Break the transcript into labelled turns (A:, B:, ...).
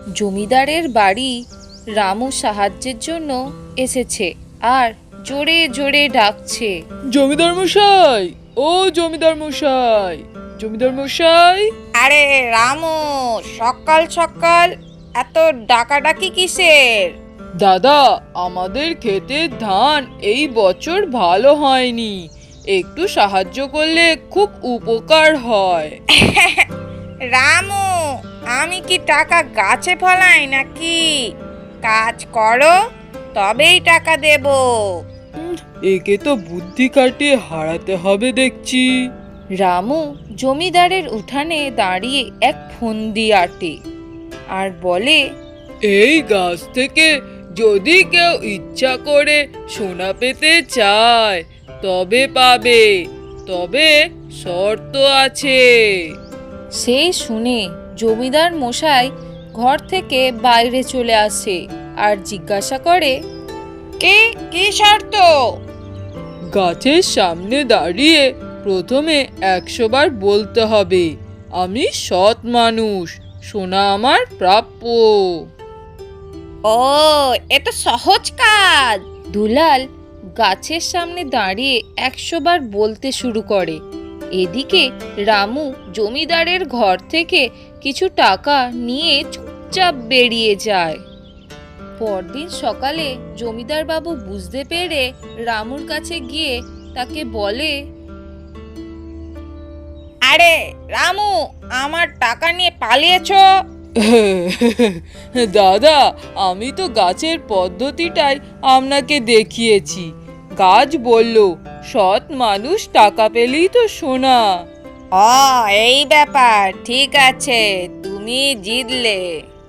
A: জমিদারের বাড়ি রামু সাহায্যের জন্য এসেছে আর জোরে জোরে ডাকছে,
B: জমিদার মশাই, ও জমিদার মশাই, জমিদার মশাই।
C: আরে রামু, সকাল সকাল এত ডাকাডাকি কিসের?
B: দাদা, আমাদের ক্ষেতের ধান এই বছর ভালো হয়নি, একটু সাহায্য করলে খুব উপকার হয়।
C: রামু, আমি কি টাকা গাছে ফলাই নাকি? কাজ করো, তবেই টাকা দেব।
B: একে তো বুদ্ধি কাটিয়ে হারাতে হবে দেখছি।
A: রামু জমিদারের উঠানে দাঁড়িয়ে এক ফন্দি আঁটে আর বলে,
B: এই গাছ থেকে যদি কেউ ইচ্ছা করে সোনা পেতে চায় তবে পাবে, তবে শর্ত আছে।
A: সেই শুনে জমিদার মশাই ঘর থেকে বাইরে চলে আসে আর জিজ্ঞাসা করে,
C: কি শর্ত?
B: গাছের সামনে দাঁড়িয়ে প্রথমে 100 বার বলতে হবে, আমি সৎ মানুষ, সোনা আমার প্রাপ্য।
C: ও, এ তো সহজ কাজ।
A: দুলাল গাছের সামনে দাঁড়িয়ে 100 বার বলতে শুরু করে। এদিকে রামু জমিদারের ঘর থেকে কিছু টাকা নিয়ে চুপচাপ বেরিয়ে যায়। পরদিন সকালে জমিদার বাবু বুঝতে পেরে রামুর কাছে গিয়ে তাকে বলে,
C: আরে রামু, আমার টাকা নিয়ে পালিয়েছো?
B: দাদা, আমি তো গাছের পদ্ধতিটাই আপনাকে দেখিয়েছি। গাছ বলল, সৎ মানুষ টাকা পেলেই তো সোনা।
C: ও, এই ব্যাপার, ঠিক আছে, তুমি জিতলে।